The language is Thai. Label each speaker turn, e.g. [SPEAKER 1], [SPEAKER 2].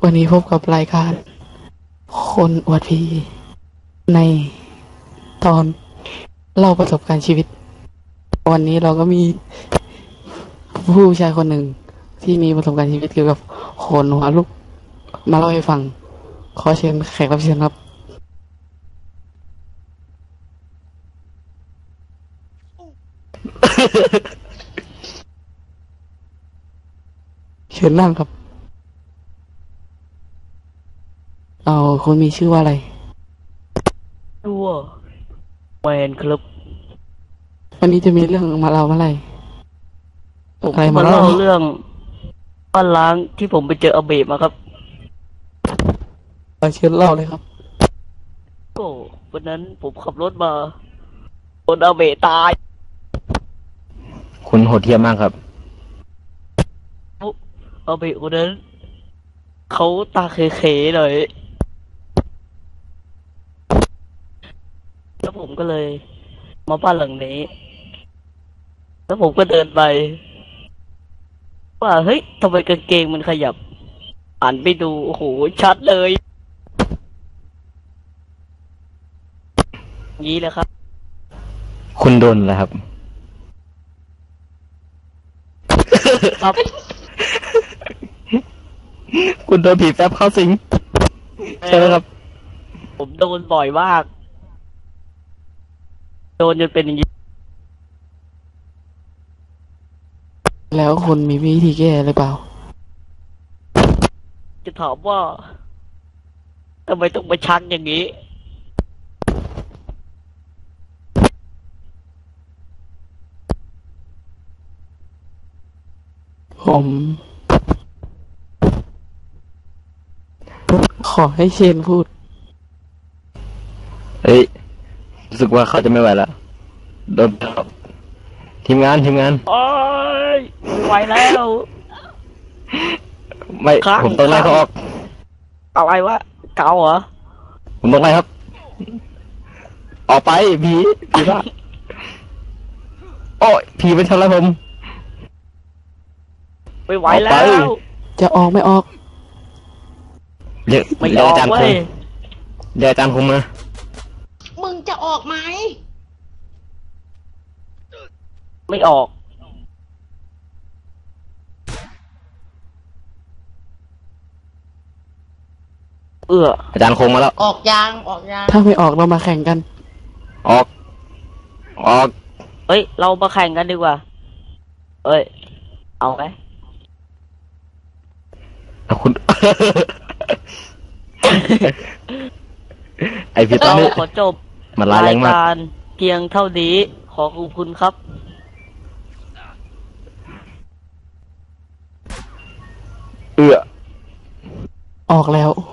[SPEAKER 1] วันนี้พบกับรายการคนอวดผีในตอนเล่าประสบการณ์ชีวิตวันนี้เราก็มีผู้ชายคนหนึ่งที่มีประสบการณ์ชีวิตเกี่ยวกับโขนหัวลุกมาเล่าให้ฟังขอเชิญแขกรับเชิญครับเชิญนั่งครับเอาคุณมีชื่อว่าอะไร
[SPEAKER 2] ตัวแมนครับ
[SPEAKER 1] วันนี้จะมีเรื่องมาเล่าเมื่อไหร่
[SPEAKER 2] ผมมาเล่าเรื่องบ้านล้างที่ผมไปเจออาเบะมาครับ
[SPEAKER 1] เชิญเล่าเลยครับ
[SPEAKER 2] ก็วันนั้นผมขับรถมาโดนอาเบะตาย
[SPEAKER 3] คุณโหดเหี้ยมมากครับ
[SPEAKER 2] อาเบะคนนั้นเขาตาเขยๆหน่อยแล้วผมก็เลยมาบ้านหลังนี้แล้วผมก็เดินไปว่าเฮ้ยทำไมกางเกงมันขยับอ่านไปดูโอ้โหชัดเลยงี้แหละครับ
[SPEAKER 3] คุณโดนแล้วครับ
[SPEAKER 2] ครับ
[SPEAKER 3] คุณโดนผีแป๊บเข้าสิงใช่ไหมครับ
[SPEAKER 2] ผมโดนบ่อยมากโดนจนเป็นอย่างนี้
[SPEAKER 1] แล้วคุณมีวิธีแก้หรือเปล่า
[SPEAKER 2] จะถามว่าทำไมต้องมาชักอย่างนี้
[SPEAKER 1] ผมขอให้เชนพูด
[SPEAKER 3] เฮ้ยรู้สึกว่าเขาจะไม่ไหวแล้วโดนทีมงาน
[SPEAKER 2] โอ้ยไหวแล้ว
[SPEAKER 3] ไม่ผมต้องไล่เขาออก
[SPEAKER 2] อะไรวะเกาเหรอ
[SPEAKER 3] ผมต้องไล่ครับออกไปผีบ้าโอ้ยผีเป็นชนแล้วผม
[SPEAKER 2] ไม่ไหวแล้ว
[SPEAKER 1] จะออกไม่ออก
[SPEAKER 3] เดี๋ยวอาจารย์คงเดี๋ยวอาจารย์คงมา
[SPEAKER 4] มึงจะออกไหม
[SPEAKER 2] ไม่ออก
[SPEAKER 3] อาจารย์คงมาแล้ว
[SPEAKER 4] ออกยาง
[SPEAKER 1] ถ้าไม่ออกเรามาแข่งกัน
[SPEAKER 3] ออก
[SPEAKER 2] เฮ้ยเรามาแข่งกันดีกว่าเอ้ยเอาไหม
[SPEAKER 3] คุณ ไอพี่ต้
[SPEAKER 2] นขอจบ
[SPEAKER 3] มันร้ายแรงมาก
[SPEAKER 2] เพียงเท่านี้ขอขอบคุณครับ
[SPEAKER 1] ออกแล้ว